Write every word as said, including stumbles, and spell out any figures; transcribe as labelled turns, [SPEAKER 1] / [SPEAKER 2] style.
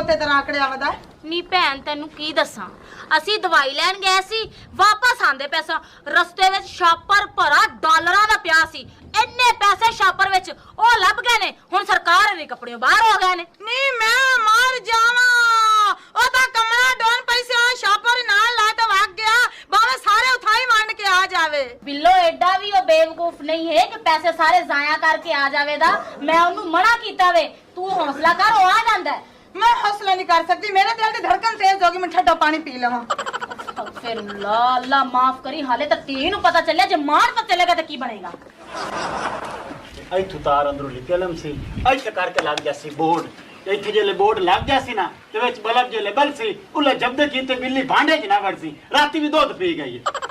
[SPEAKER 1] ਖੋਤੇ ਤਰ੍ਹਾਂ ਆਕੜਿਆ ਵਦਾ
[SPEAKER 2] ਨੀ ਭੈਣ ਤੈਨੂੰ ਕੀ ਦੱਸਾਂ ਅਸੀਂ ਦਵਾਈ ਲੈਣ ਗਏ ਸੀ ਵਾਪਸ ਆਂਦੇ ਪੈਸਾ ਰਸਤੇ ਵਿੱਚ ਛਾਪਰ ਭਰਾ ਡਾਲਰਾਂ ਦਾ ਪਿਆ ਸੀ ਇੰਨੇ ਪੈਸੇ ਛਾਪਰ ਵਿੱਚ ਉਹ ਲੱਭ ਗਏ ਨੇ ਹੁਣ ਸਰਕਾਰ ਦੇ ਕੱਪੜੇ ਬਾਹਰ ਹੋ ਗਏ ਨੇ
[SPEAKER 1] ਨੀ ਮੈਂ ਮਰ ਜਾਵਾਂ ਉਹ ਤਾਂ ਕਮਲਾ ਡੋਨ ਪੈਸੇ ਆ ਛਾਪਰ ਨਾਲ ਲਾ ਕੇ ਵਗ ਗਿਆ ਬਾਵੇਂ ਸਾਰੇ ਉਠਾਈ ਮੰਨ ਕੇ ਆ ਜਾਵੇ
[SPEAKER 2] ਬਿੱਲੋ ਐਡਾ ਵੀ ਉਹ ਬੇਵਕੂਫ ਨਹੀਂ ਹੈ ਕਿ ਪੈਸੇ ਸਾਰੇ ਜ਼ਾਇਆ ਕਰਕੇ ਆ ਜਾਵੇਗਾ ਮੈਂ ਉਹਨੂੰ ਮਨਾ ਕੀਤਾ ਵੇ ਤੂੰ ਹੌਸਲਾ ਕਰ ਉਹ ਆ ਜਾਂਦਾ ਹੈ
[SPEAKER 1] मैं हौसला नहीं कर सकती मेरे दिल की धड़कन तेज होगी मैं ठंडा पानी पी लवां
[SPEAKER 2] फिर अल्लाह अल्लाह माफ करी हाले तक तीन पता चलिया जे मार पता चलेगा तो की बनेगा
[SPEAKER 3] ਇੱਥੋਂ ਤਾਰ ਅੰਦਰੋਂ ਨਿਕਲਮ ਸੀ ਇੱਥੇ ਕਰਕੇ ਲੱਗ ਗਿਆ ਸੀ ਬੋਰਡ ਇੱਥੇ ਜਿਹੜੇ ਬੋਰਡ ਲੱਗ ਗਿਆ ਸੀ ਨਾ ਤੇ ਵਿੱਚ ਬਲਬ ਜਿਹੜੇ ਬਲ ਸੀ ਉਹਲੇ ਜਬਦੇ ਕੀਤੇ ਬਿੱਲੀ ਭਾਂਡੇ ਚ ਨਾ ਵੜ ਸੀ ਰਾਤੀ ਵੀ ਦੁੱਧ ਪੀ ਗਈ